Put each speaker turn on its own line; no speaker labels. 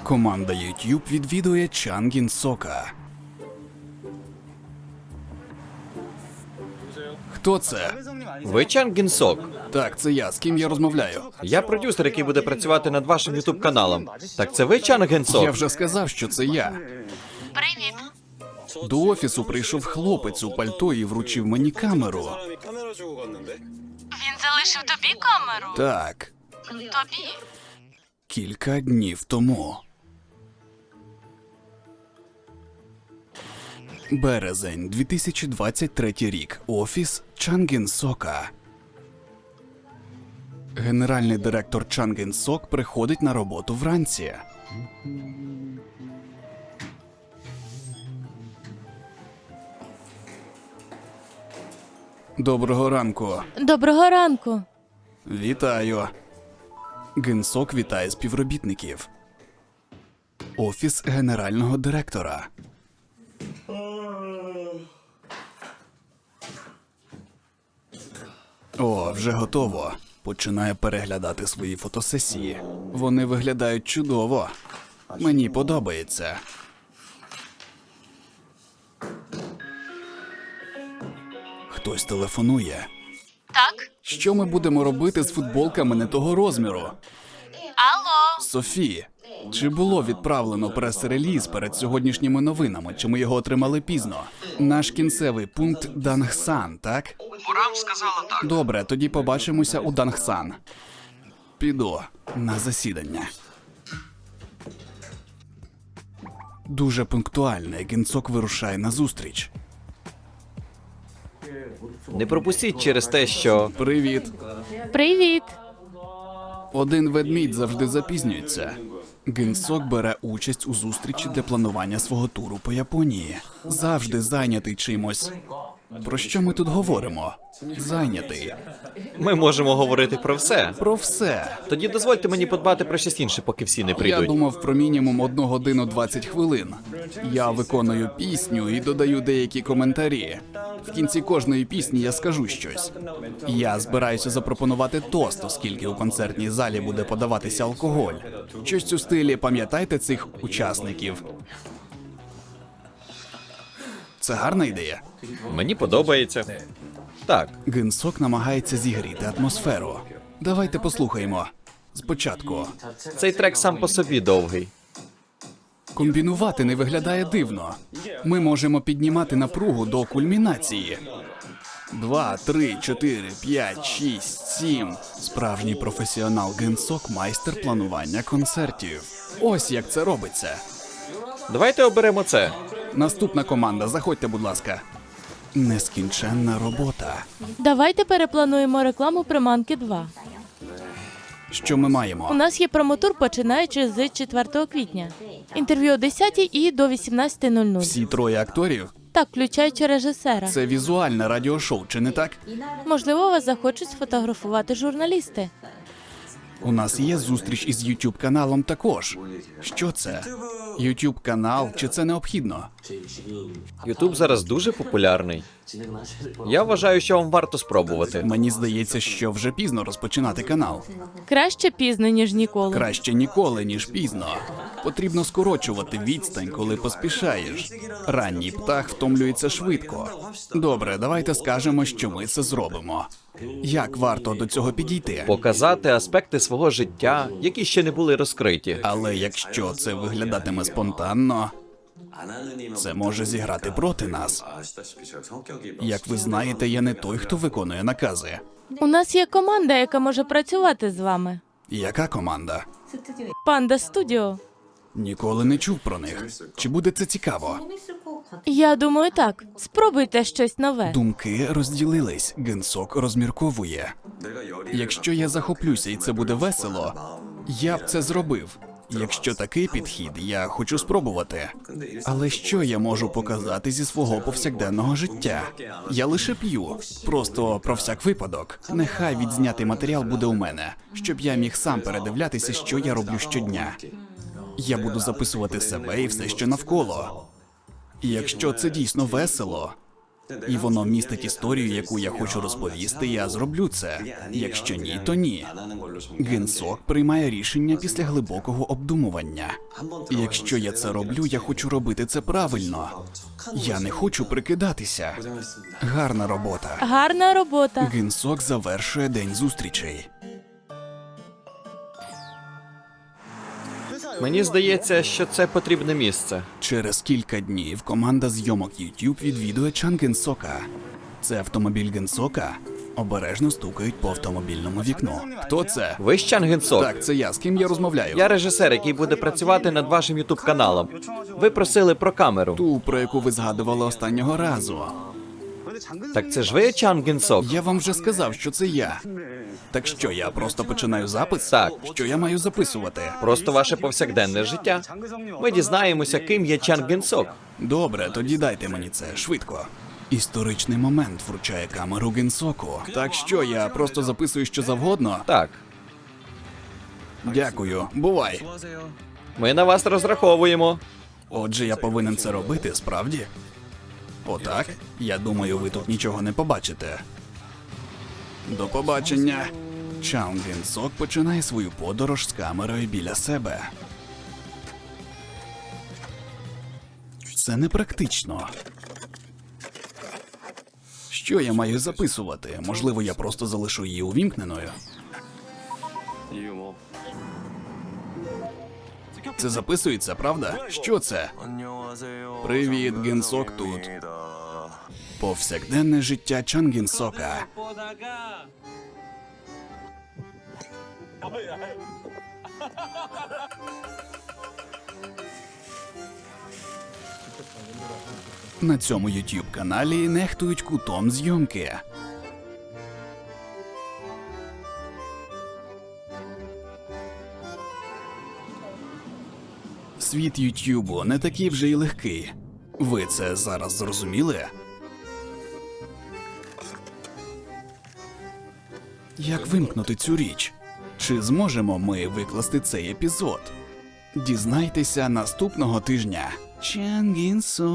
Команда YouTube відвідує Чан Гін Сока. Хто це?
Ви Чан Гін Сок?
Так, це я. З ким я розмовляю?
Я продюсер, який буде працювати над вашим ютуб-каналом. Так це ви Чан Гін Сок?
Я вже сказав, що це я.
Привіт.
До офісу прийшов хлопець у пальто і вручив мені камеру.
Він залишив тобі камеру?
Так,
Тобі?
кілька днів тому. Березень, 2023 рік. Офіс Чан Гін Сока. Генеральний директор Чан Гін Сок приходить на роботу вранці. Доброго ранку.
Доброго ранку.
Вітаю. Гін Сок вітає співробітників. Офіс генерального директора. О, вже готово. Починає переглядати свої фотосесії. Вони виглядають чудово. Мені подобається. Хтось телефонує.
Так?
Що ми будемо робити з футболками не того розміру?
Алло?
Софі, чи було відправлено прес-реліз перед сьогоднішніми новинами, чи ми його отримали пізно? Наш кінцевий пункт Дангсан, так?
Бурам сказала так.
Добре, тоді побачимося у Дангсан. Піду на засідання. Дуже пунктуально, Гін Сок вирушає на зустріч.
Не пропустіть через те, що...
Привіт.
Привіт.
Один ведмідь завжди запізнюється. Гін Сок бере участь у зустрічі для планування свого туру по Японії. Завжди зайнятий чимось. Про що ми тут говоримо? Зайнятий.
Ми можемо говорити про все.
Про все.
Тоді дозвольте мені подбати про щось інше, поки всі не
Я
прийдуть.
думав про мінімум 1 годину 20 хвилин. Я виконую пісню і додаю деякі коментарі. В кінці кожної пісні я скажу щось. Я збираюся запропонувати тост, оскільки у концертній залі буде подаватися алкоголь. Щось у стилі «Пам'ятайте цих учасників». Це гарна ідея.
Мені подобається. Так,
Гін Сок намагається зігріти атмосферу. Давайте послухаємо. Спочатку.
цей трек сам по собі довгий.
Комбінувати не виглядає дивно. Ми можемо піднімати напругу до кульмінації. 2, 3, 4, 5, 6, 7. Справжній професіонал Гін Сок – майстер планування концертів. Ось як це робиться.
Давайте оберемо це.
Наступна команда, заходьте, будь ласка. Нескінченна робота.
Давайте переплануємо рекламу приманки 2.
Що ми
У
маємо?
нас є промотур, починаючи з 4 квітня. Інтерв'ю о 10 і до 18:00.
Всі троє акторів?
Так, включаючи режисера.
Це візуальне радіошоу, чи не так?
Можливо, вас захочуть сфотографувати журналісти.
У нас є зустріч із YouTube-каналом також. Що це? YouTube-канал, чи це необхідно?
Ютуб зараз дуже популярний. Я вважаю, що вам варто спробувати.
Мені здається, що вже пізно розпочинати канал.
Краще пізно, ніж ніколи.
Краще ніколи, ніж пізно. Потрібно скорочувати відстань, коли поспішаєш. Ранній птах втомлюється швидко. Добре, давайте скажемо, що ми це зробимо. Як варто до цього підійти?
Показати аспекти свого життя, які ще не були розкриті.
Але якщо це виглядатиме спонтанно, це може зіграти проти нас. Як ви знаєте, я не той, хто виконує накази.
У нас є команда, яка може працювати з вами.
Яка команда?
Панда Студіо.
Ніколи не чув про них. Чи буде це цікаво?
Я думаю, так. Спробуйте щось нове.
Думки розділились. Гін Сок розмірковує. Якщо я захоплюся і це буде весело, я б це зробив. Якщо такий підхід, я хочу спробувати. Але що я можу показати зі свого повсякденного життя? Я лише п'ю. Просто про всяк випадок. Нехай відзнятий матеріал буде у мене, щоб я міг сам передивлятися, що я роблю щодня. Я буду записувати себе і все, що навколо. І якщо це дійсно весело, і воно містить історію, яку я хочу розповісти, я зроблю це. Якщо ні, то ні. Генсок приймає рішення після глибокого обдумування. І якщо я це роблю, я хочу робити це правильно. Я не хочу прикидатися. Гарна робота.
Гарна робота.
Генсок завершує день зустрічей.
Мені здається, що це потрібне місце.
Через кілька днів команда зйомок YouTube відвідує Чан Генсока. Це автомобіль Генсока. Обережно стукають по автомобільному вікну. Хто це?
Ви ж Чан Генсок?
Так, це я. З ким я розмовляю?
Я режисер, який буде працювати над вашим ютуб каналом. Ви просили про камеру.
Ту, про яку ви згадували останнього разу.
Так це ж ви Чан Генсок?
Я вам вже сказав, що це я. Так що, я просто починаю запис?
Так.
Що я маю записувати?
Просто ваше повсякденне життя. Ми дізнаємося, ким є Чан Генсок.
Добре, тоді дайте мені це, швидко. Історичний момент вручає камеру Генсоку. Так що, я просто записую що завгодно?
Так,
Дякую, бувай.
ми на вас розраховуємо.
Отже, я повинен це робити, справді? Отак? Я думаю, ви тут нічого не побачите. До побачення. Чан Генсок починає свою подорож з камерою біля себе. Це непрактично. Що я маю записувати? Можливо, я просто залишу її увімкненою. Це записується, правда? Що це? Привіт, Генсок тут. Повсякденне життя Чан Генсока. На цьому YouTube каналі нехтують кутом зйомки. Світ Ютубу не такий вже й легкий. Ви це зараз зрозуміли? Як вимкнути цю річ? Чи зможемо ми викласти цей епізод? Дізнайтеся наступного тижня. Чан Генсок.